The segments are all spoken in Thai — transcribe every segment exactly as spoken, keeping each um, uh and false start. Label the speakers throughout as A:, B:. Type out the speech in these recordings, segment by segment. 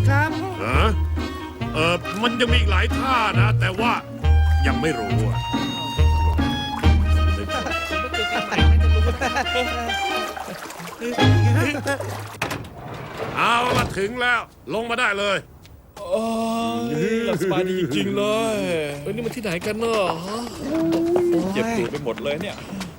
A: ครับ
B: ฮะเออมันยังมีอีกหลายท่านะ แต่ว่ายังไม่รู้อะเอาละถึงแล้ว ลงมาได้เลย
C: โอ้ยหลับสบายดีจริงๆเลยเอ้ยนี่มันที่ไหนกันเนาะฮะเจ็บปวดไปหมดเลยเนี่ย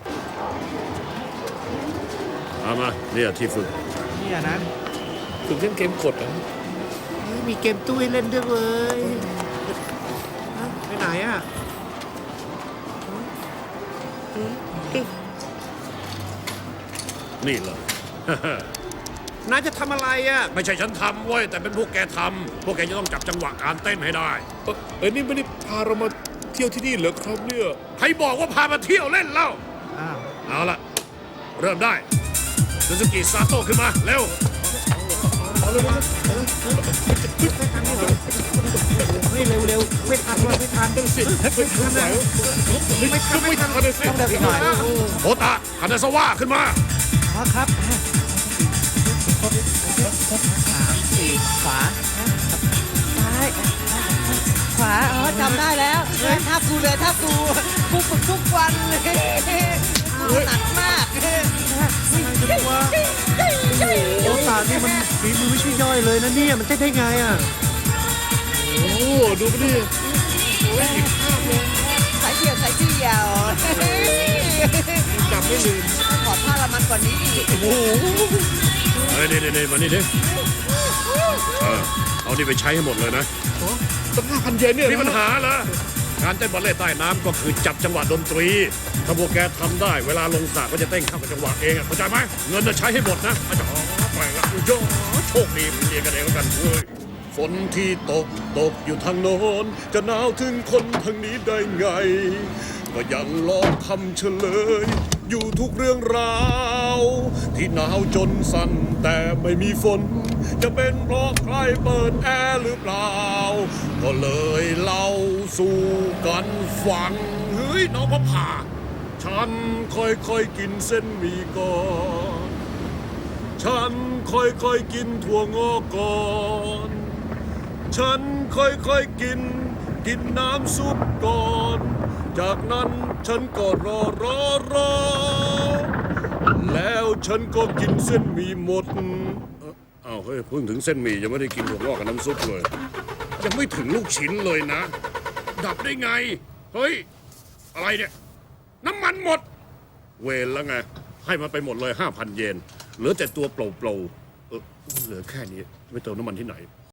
B: เอามาเนี่ยที่ฝึก
A: เนี่ยนะ
C: ถึงเล่นเกมกดอ่ะ
A: เฮ้ยมีเกมตู้ให้เล่นด้วยเว้ยฮะไปไหนอ่ะ
B: นี่เลย
A: นายจะทำอะไรอ่ะ
B: ไม่ใช่ฉันทำเว้ยแต่เป็นพวกแกทำพวกแกจะต้องจับจังหวะการเต้นให้ได้
C: เอ้ยเอ้ยนี่ไม่ได้พาเรามาเที่ยวที่นี่เหรอครับเนี่ย
B: ใครบอกว่าพามาเที่ยวเล่นเล่า
A: อ้าว
B: เอาละเริ่มได้ซูซูกิซาโต้ขึ้นมา เร็ว
A: เฮ้ยเร็วเร็วไม่ทันว่ะไม่ทัน
C: สิ
A: ไม่ทันนะ
C: ไม่ทันไม่ทันเลยสิ
A: ต้องเดินอีกหน่อย
B: โอตะคานาซาวะขึ้นมา
A: อ๋อครับสามสี่ขวา
D: ซ้ายขวาอ๋อจำได้แล้วท่ากูเลยท่ากูกูฝึกทุกวันเลยหนักมาก
A: อะไรกันวะโอ้ตานี่มันฝีมือไม่ใช่ย่อยเลยนะเนี่ยมันเต้นได้ไงอ่ะ
C: โอ้ดูไปดิ
D: สายเดี่ยวสายเดี่ยว
C: จำไม่ลืม
D: ขอท่าละมันกว่านี้อีก
C: โอ้โห
B: เฮ้ยนี่นี่มานี่ดิเออเอานี่ไปใช้ให้หมดเลยนะ
C: ตั้งห้าพันเยนเนี่ย
B: มีปัญหาเหรอการเต้นบัลเล่ต์ใต้น้ำก็คือจับจังหวะดนตรี ถ้าพวกแกทำได้เวลาลงสระก็จะเต้นเข้ากับจังหวะเองอะเข้าใจไหมเงินจะใช้ให้หมดนะอาจารย์ไปละโยโชคดีเรียนกันเองแล้วกันเว้ยฝนที่ตกตกอยู่ทางโน้นจะหนาวถึงคนทางนี้ได้ไง ก็ยังลองทำเฉลย อยู่ทุกเรื่องราว ที่หนาวจนสั่นแต่ไม่มีฝน จะเป็นเพราะใครเปิดแอร์หรือเปล่า ก็เลยเล่าสู่กันฟังเฮ้ยน้องพระผ่าฉันค่อยๆกินเส้นหมี่ก่อนฉันค่อยๆกินถั่วงอกก่อนฉันค่อยๆกินกินน้ำซุปก่อน จากนั้นฉันก็รอรอรอแล้วฉันก็กินเส้นหมี่หมดเอ้าอ้าวเฮ้ยเพิ่งถึงเส้นหมี่ยังไม่ได้กินถั่วงอกกับน้ำซุปเลย ยังไม่ถึงลูกชิ้นเลยนะ ดับได้ไง เฮ้ย อะไรเนี่ย น้ำมันหมด เวรแล้วไง ให้มันไปหมดเลยห้าพันเยนเหลือแต่ตัวเปล่าๆเออเหลือแค่นี้ไม่เติมน้ำมันที่ไหน